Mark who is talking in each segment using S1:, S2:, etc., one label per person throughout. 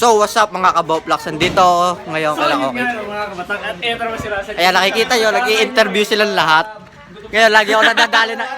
S1: So, what's up mga kabawplaks? Nandito ngayon kala ko. Ayan, nakikita nyo, nag-i-interview silang lahat. Kaya lagi ako nadadali na...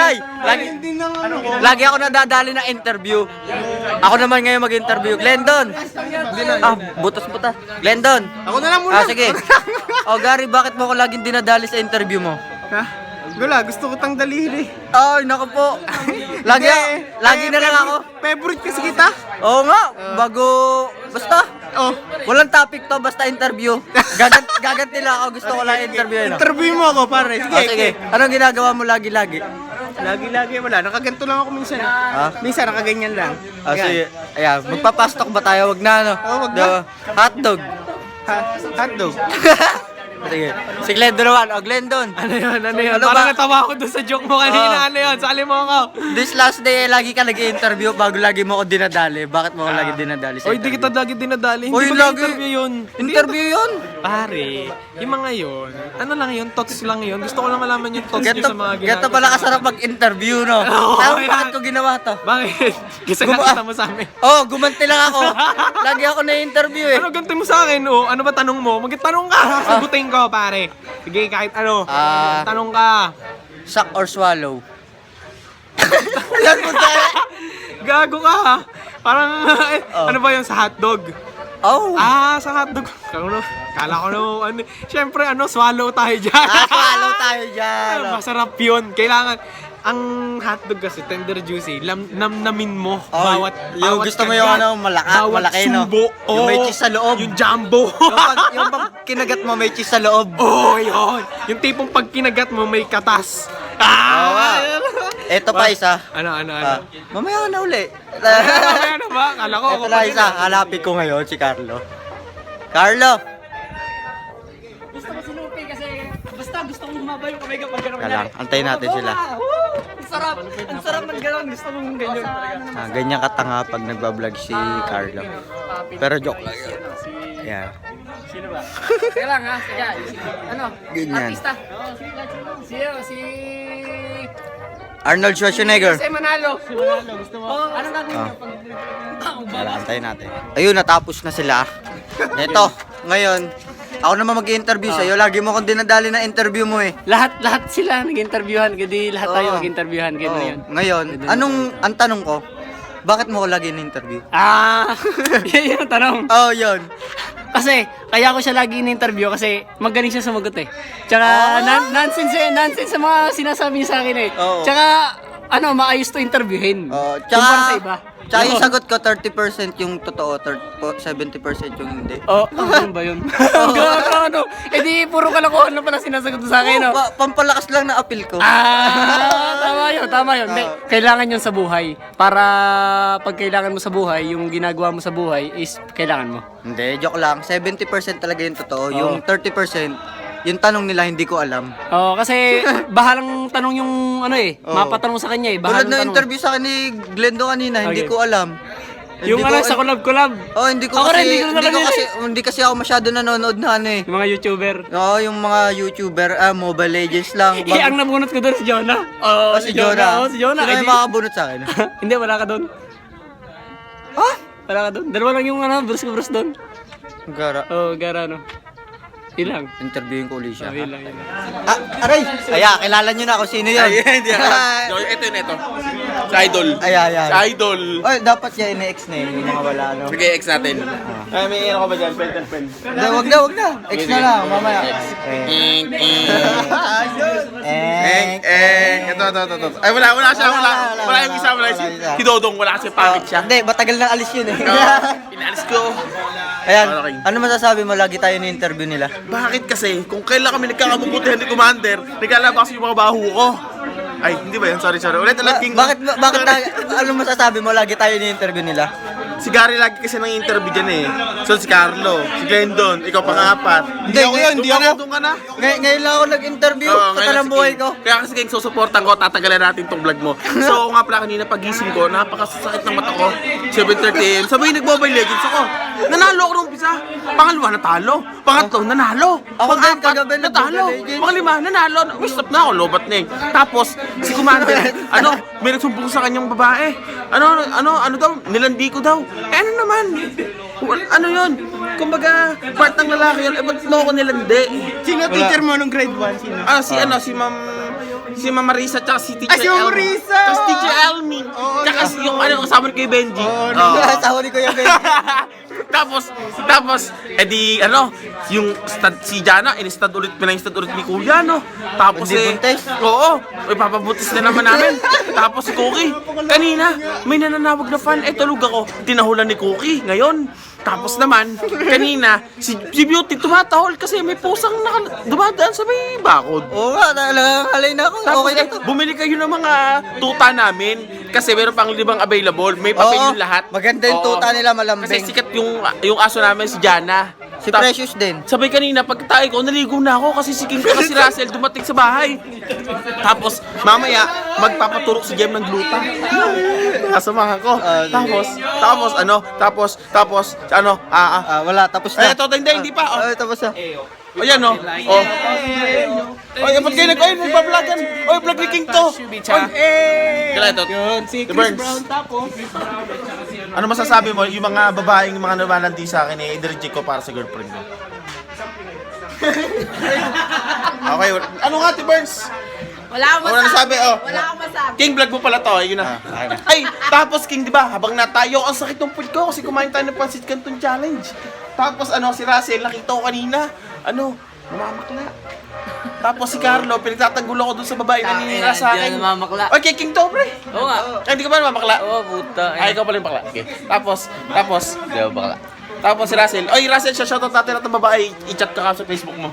S1: Lagi ako nadadali na interview. Ako naman ngayon mag-interview. Glendon! Butas-butas. Glendon!
S2: Ako na lang muna.
S1: Sige. Gary, bakit mo ako laging dinadali sa interview mo?
S2: Ha? Wala, gusto ko tang dalihin eh.
S1: Ay, naku po. Lagi na lang ako.
S2: Favorite kasi kita?
S1: Oo nga, basta.
S2: Oh.
S1: Walang topic to, basta interview. Gaganti lang ako, gusto ko lang interview.
S2: Interview mo ako, pare. Sige.
S1: Sige. Anong ginagawa mo lagi-lagi?
S2: Lagi-lagi wala. Nakaganto lang ako minsan. Minsan nakaganyan lang.
S1: Sige. Ayan, magpapastok ba tayo? Wag na, ano?
S2: Wag na.
S1: Hotdog.
S2: Hotdog.
S1: Sige. Si Glendon naman. Glendon.
S2: Ano yun?
S1: Ano
S2: Parang
S1: ba?
S2: natawa ako doon sa joke mo kanina. Ano yun? Sali mo ako.
S1: This last day, lagi ka nag-i-interview bago lagi mo ako dinadali. Bakit mo ako lagi dinadali sa
S2: Oy, di kita lagi dinadali.
S1: Oy,
S2: Hindi ba
S1: lagi.
S2: interview yun?
S1: Interview yun?
S2: Pare, yung mga yun, ano lang yun, thoughts lang yun. Gusto ko lang malaman yung thoughts nyo sa mga ginagawa.
S1: Ganto pala kasarap mag-interview, no?
S2: Oo,
S1: Tama,
S2: yan.
S1: bakit ko ginawa to?
S2: Bakit? Kasi nakita mo sa amin.
S1: Gumanti lang ako. Lagi ako na-interview eh.
S2: Ano ganti mo sa akin, oh? Ano ba tanong mo? Magtanong ka, sagutin ko, pare. Sige, kahit ano. Tanong ka.
S1: Suck or swallow? Yan mo tayo.
S2: Gago ka, ha? Parang, ano ba yun, sa hotdog?
S1: Oh.
S2: Sa hotdog. Kala ko ano. Siyempre, swallow tayo dyan.
S1: Swallow tayo dyan.
S2: Masarap yun. Kailangan, ang hotdog kasi tender juicy, namnamin mo bawat
S1: yung gusto mo yung malaki, no?
S2: Subo.
S1: Yung may cheese sa loob.
S2: Yung jumbo.
S1: yung pag kinagat mo may cheese sa loob.
S2: Yun. Yung tipong pag kinagat mo may katas.
S1: Eto pa isa.
S2: Ano?
S1: Mamaya na uli.
S2: Mamaya na ba? Kala ko.
S1: Eto na isa. Hanapin ko ngayon si Carlo. Carlo!
S3: Gusto ko sinupi kasi basta gusto kong humaba yung kamay kapag gano'n.
S1: Kalang, antayin natin sila.
S3: Ang sarap. Ang sarap man gano'n. Gusto mong ganyan talaga.
S1: Ganyan katanga pag nagbablog si Carlo. Pero joke lang yun. Ayan.
S3: Sino ba? Kaya lang ha. Sige. Ano?
S1: Ganyan.
S3: Artista. Sino? Si...
S1: Arnold Schwarzenegger.
S3: Si Manalo. Si Manalo. Gusto mo? Anong gagawin niyo pag...
S1: Wala, antayin natin. Ayun, natapos na sila. Ito, ngayon, ako naman mag-i-interview sa'yo. Lagi mo akong dinadali na interview mo eh.
S3: Lahat sila nag-interviewhan. Kasi lahat tayo mag-interviewhan. Ganun yun.
S1: Ngayon, ang tanong ko, bakit mo ako lagi na-interview?
S3: Yan yung tanong.
S1: Yun.
S3: Kasi, kaya ko siya lagi in-interview kasi magaling siya sumagot eh. Tsaka, nonsense sa mga sinasabi niya sa akin eh.
S1: Oo.
S3: Tsaka, maayos to interviewin. Kumpara sa iba.
S1: Tsaka yung sagot ko, 30% yung totoo, 70% yung hindi.
S3: Ano ba yun? Gano? Eh di, puro kalokohan na pala sinasagot mo sa akin, no?
S1: Pampalakas lang na appeal ko.
S3: Tama yun. Kailangan yun sa buhay. Para pag kailangan mo sa buhay, yung ginagawa mo sa buhay is kailangan mo.
S1: Hindi, joke lang. 70% talaga yung totoo. Yung 30%, yung tanong nila hindi ko alam.
S3: Kasi bahalang tanong yung mapatanong sa kanya eh.
S1: Tulad
S3: Bahalang
S1: na
S3: tanong.
S1: interview sa akin ni Glendo kanina, hindi ko alam.
S3: Yung sa collab.
S1: Hindi ko
S3: Ako rin,
S1: kasi,
S3: hindi ko talaga
S1: hindi kasi ako masyado nanonood na
S3: Yung mga YouTuber.
S1: yung mga YouTuber, Mobile Legends lang.
S3: Ang nabunot ko doon si Jonah.
S1: Si Jonah.
S3: Si Jonah.
S1: Sino yung makabunot sa akin?
S3: Hindi, wala ka doon. Wala ka doon. Dalawa lang yung Bruce doon.
S1: Gara.
S3: Gara Ilang.
S1: Interviewin ko ulit siya.
S3: Ilang.
S1: Aray! Kilala nyo na kung sino yun.
S4: Ito. Sa Idol.
S1: Ayan.
S4: Sa Idol.
S1: Dapat siya ine-ex na yun, yung mga wala, no?
S4: Sige, ex natin. May ano ka ba dyan? Pen.
S1: Hindi, wag na. Ex na lang, mamaya.
S4: Ito. Ay, wala siya. Wala yung isa. Si Dodong, wala kasi pangit siya.
S1: Hindi, matagal na alis yun eh.
S4: Inalis ko.
S1: Ayan, ano masasabi mo? Lagi tayo ni-interview nila.
S4: Bakit kasi? Kung kailan kami nagkakabubutihan ni Commander, naglalabas yung mga baho ko. Ay, hindi ba yan? Sorry. Ulit.
S1: Bakit ano masasabi mo? Lagi tayo ni-interview nila.
S4: Si Gary lagi kasi nang interview dyan eh. So si Carlo, si Glendon, ikaw pang-apat.
S1: Hindi ako yun, hindi ako.
S4: Doon ka na.
S1: Ngayon lang ako nag-interview.
S4: Oo,
S1: Sa
S4: ngayon
S1: talang
S4: sige.
S1: buhay ko.
S4: Kaya kasi kayong susuportan ko, tatagalan natin tong vlog mo. So nga pala kanina pagising ko, napakasakit ng mata ko. 7:30 AM. Sabi nag-Mobile Legends ako. Nanalo ako nung umpisa. Pangalawa natalo. Pangatlo nanalo.
S1: Ako din,
S4: Pang-apat
S1: kagabi
S4: natalo.
S1: nag-Mobile Legends.
S4: Panglima nanalo. Stop na ako, lobat na eh. Tapos si Commander, may nagsumbong sa kanyang babae. Ano daw, nilandi ko daw. ano naman? Ano yun? Kumbaga, part ng lalaki yun, ba't mo ako nilandi?
S2: Sino teacher mo nung grade 1? Sino?
S4: Si Ma'am Marisa, tsaka si Teacher
S2: Si Ma'am Marisa!
S4: Tsaka si Teacher Elmin. Tsaka si yung kasama ni Kuya Benji.
S1: Asawa ni Kuya Ben.
S4: Tapos, edi, yung si Jana, in-stud ulit, pinang-stud ulit ni Kuya, no? Tapos
S1: Hindi buntis?
S4: Oo, ipapabutis na naman namin. Tapos si Cookie, kanina, may nananawag na fan, tulog ako. Tinahulan ni Cookie, ngayon. Tapos naman, kanina, si Beauty tumatahol kasi may pusang dumadaan sa may bakod.
S1: Oo nga, nakakalay na ako.
S4: Tapos
S1: Okay na to.
S4: bumili kayo ng mga tuta namin kasi meron pang 5 available. May papel yung lahat.
S1: Maganda yung
S4: Oo.
S1: tuta nila,
S4: Kasi
S1: malambing.
S4: sikat yung aso namin, si Jana.
S1: Si Precious din.
S4: Sabay kanina, pag tayo ko, naligo na ako kasi si King ko si Russell dumating sa bahay. Tapos, mamaya, magpapaturok si Jem ng gluta. Kasamahan ko. Tapos,
S1: Wala, tapos na.
S4: ito, hindi pa.
S1: Tapos na.
S4: Ayan, no? Oh. Oy, ba't kayo nagpa-vlogan? Oy, vlog ni King to. Oy, kala ito.
S2: Yun, si
S4: The
S2: Chris
S4: Burns.
S2: Brown tapos.
S4: Ano masasabi mo, yung mga babaeng mga nabalandi sa akin, i-reject ko para sa girlfriend ko? Okay, ano nga, T. Burns?
S5: Wala akong
S4: Wala nasabi, oh.
S5: Wala akong masabi.
S4: King, vlog mo pala to, yun na. Ay, tapos King, di ba, habang natayo, ang sakit ng food ko kasi kumain tayo ng Pansit Canton Challenge. Tapos si Russell, nakita ko kanina, namamakla. Tapos si Carlo, pinagtatanggol ako dun sa babae na ninira sa akin.
S3: namamakla.
S4: Okay, King to, pre.
S3: Oo nga.
S4: Ay, hindi ka ba namamakla?
S3: Oo, puta.
S4: Ay, ikaw pala yung bakla. Okay. Tapos,
S3: Di ba bakla?
S4: tapos si Russell. Oy, Russell, shoutout natin at ng babae. I-chat ka sa Facebook mo.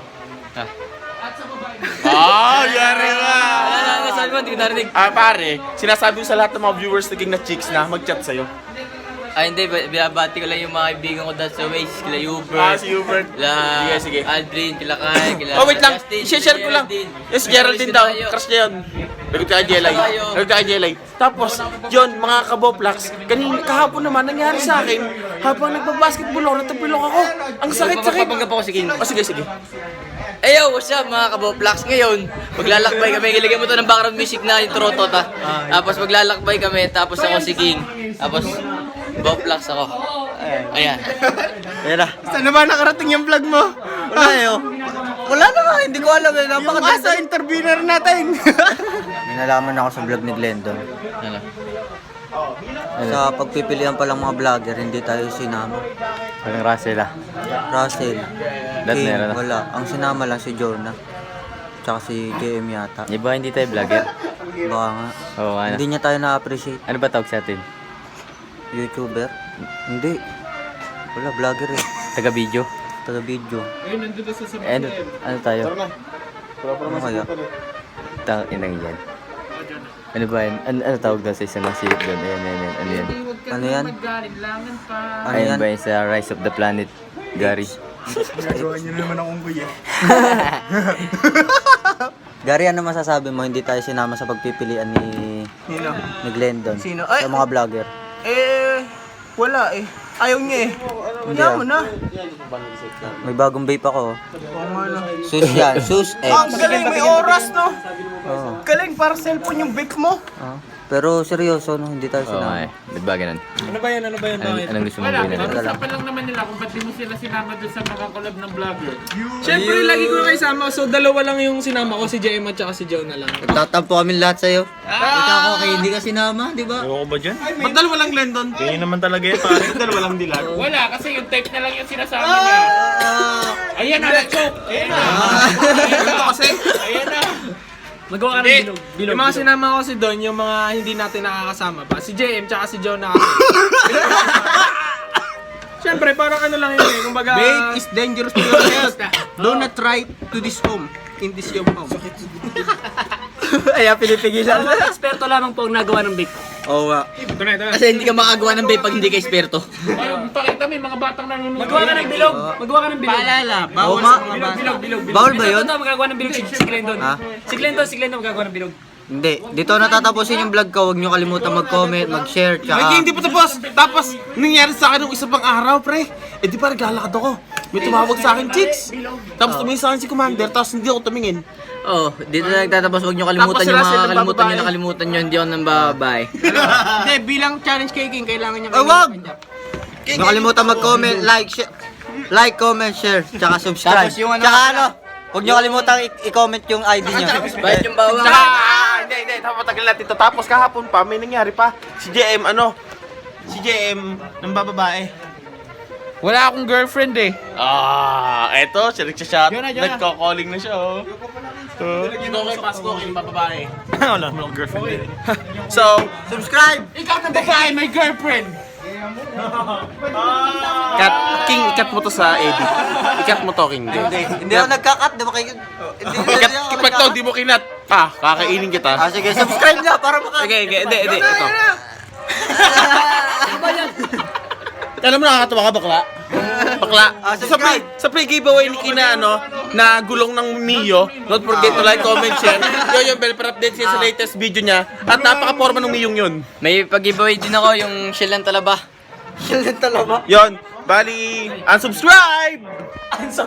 S4: Yari ka!
S3: Sabi mo, hindi ko narinig.
S4: Pare, sinasabi ko sa lahat ng mga viewers naging na chicks na mag-chat sa'yo.
S3: Ay, hindi. Binabati ko lang yung mga kaibigan ko dahil sa Waze. Kila Hubert.
S4: Si Hubert.
S3: Kila
S4: Sige.
S3: Aldrin, kila Kai, kila
S4: Oh, wait lang.
S3: Justin,
S4: I-share ko lang. Yes, Geraldine daw. Crush niya yun. Lagot ka kay Jelay. Lagot ka kay Jelay. Tapos, yun, mga kaboplax, kahapon naman, nangyari sa akin, habang nagbabasketball ako, natapilok ako. Ang sakit-sakit.
S3: Papanggap ako si King.
S4: Sige.
S3: Yo, what's up mga kaboplex? Ngayon, maglalakbay kami. Ilagay mo to ng background music na yung Trotot ha. Tapos maglalakbay kami, tapos ako si King. Tapos, boplex ako. Ayan.
S1: Ayan na.
S2: Saan na ba nakarating yung vlog mo?
S1: Wala Wala na nga, hindi ko alam.
S2: Yung asa, interviewer natin.
S1: May nalaman ako sa vlog ni Glendon.
S3: Ano?
S1: Sa pagpipilian pa lang mga vlogger, hindi tayo sinama.
S6: Walang Russell ah.
S1: Russell,
S6: Lahat
S1: King,
S6: meron na.
S1: wala. Ang sinama lang si Jonah. Tsaka si JM yata.
S6: Di ba hindi tayo vlogger?
S1: Baka nga.
S6: Oo, ano?
S1: Hindi niya tayo na-appreciate.
S6: Ano ba tawag sa atin?
S1: YouTuber? Hindi. Wala, vlogger eh.
S6: Taga-video?
S1: Taga-video.
S6: Ano tayo?
S1: Ano kaya?
S6: Inang yan. Ano ba yan? Ano tawag daw sa isa ng silip doon? Ayan. Ano yan?
S1: Ano yan? Ano
S6: Ayan
S1: yan?
S6: ba yun sa Rise of the Planet? Gary?
S2: Nagawa niyo naman ang unggoy eh.
S1: Gary, ano masasabi mo? Hindi tayo sinama sa pagpipilian ni
S2: Sino?
S1: Glendon.
S2: Sino? Ay!
S1: Sa mga vlogger.
S2: Wala eh. Ayaw niya eh.
S1: Hindi
S2: Kaya mo na.
S1: May bagong vape ako.
S2: Oo nga no.
S1: Sus yan. Sus X.
S2: Ang galing, may oras no.
S1: Oo.
S2: Galing, para cellphone yung vape mo.
S1: Oo. Pero seryoso, no? Hindi tayo
S6: Oo nga
S1: sinama.
S6: eh. Ba't ba ganun?
S2: Ano ba yan?
S6: Anong gusto mong gawin natin?
S7: Usapan lang naman nila kung ba't di mo sila sinama doon sa mga collab ng vlogger.
S2: Siyempre, lagi ko kayo sama. So, dalawa lang yung sinama ko, si JM at saka si Joe na lang.
S1: Nagtatampo kami lahat sa'yo. Ikaw ako kay hindi ka sinama, di ba?
S4: Ewan ko ba dyan? Ba't dalawa lang Glendon? Tingin naman talaga yun, pare. Dalawa lang dilag.
S7: Wala, kasi yung type na lang yung sinasama niya. Ayan na, choke! Ayan na!
S4: Ito kasi,
S7: Ayan na!
S2: Magawa ka ng bilog. Yung mga sinama ko si Don, yung mga hindi natin nakakasama pa. Si JM tsaka si Joe na kasi. Siyempre, parang ano lang yun eh. Kumbaga... Vape is dangerous to your health. Do not try to this home. In this your home.
S1: Ay, pinipigilan.
S3: Eksperto lamang po ang nagawa ng vape.
S1: Oo nga.
S2: Ito na.
S3: Kasi hindi ka makagawa ng vape pag hindi ka eksperto.
S7: Ay, pakita mo yung mga batang nanonood.
S3: Magawa ka ng bilog. Magawa ka ng bilog.
S2: Paalala,
S1: Oo
S2: bawal
S1: nga.
S2: sa mga bata.
S1: Bawal ba yun?
S3: Ito, magagawa ng bilog si Glendon.
S1: Ha?
S3: Si Glendon magagawa ng bilog.
S1: Hindi. Dito natatapusin yung vlog ko. Huwag nyo kalimutan mag-comment, mag-share,
S4: Ay,
S1: tsaka...
S4: hindi pa tapos. Tapos, nangyari sa akin nung isa pang araw, pre. Eh di pa naglalakad ako. May tumawag sa akin, chicks. Tapos tumingin sa akin si Commander, tapos hindi ako tumingin.
S3: Oh, dito na nagtatapos. Huwag nyo kalimutan
S4: Tapos
S3: yung
S4: sila
S3: mga kalimutan
S4: nagbababae.
S3: nyo, nakalimutan nyo. Hindi ako nang bababay.
S2: Hindi, bilang challenge kay King, kailangan niya
S1: Ay, wag! Huwag niyo kalimutan mag-comment, like, comment, share, tsaka subscribe.
S3: Tapos yung ano-
S1: Tsaka ano, huwag niyo kalimutan i-comment yung ID niyo.
S3: Bayad yung bawang.
S4: Tsaka, hindi, matagal natin to. Tapos kahapon pa, may nangyari pa. Si JM, Si JM, ng bababae.
S7: Wala akong girlfriend eh.
S4: Eto, siya nagsashot.
S7: Yun na.
S4: Nagko-calling na siya, oh. Dito kay Pasko, yung bababae. Wala mo girlfriend din. So,
S1: Subscribe!
S7: Ikaw na babae, may girlfriend.
S4: ikat mo to sa Eddie. Ikat mo to, King.
S1: Hindi ako nagka-cut, di ba kayo?
S4: Pag to, di mo kinat. Kakainin kita.
S1: Sige, subscribe na para maka...
S4: Okay, hindi. Ito. Alam mo, nakakatawa ka, bakla? Bakla.
S1: Subscribe.
S4: Sa pre-giveaway ni Kina, na gulong ng Mio, don't forget to like, comment, share. Yung bell para update siya sa latest video niya. At napaka-forma ng Miyong yun.
S3: May pag-giveaway din ako, yung shell ng talaba.
S1: Yan talaga.
S4: Yon, bali, unsubscribe!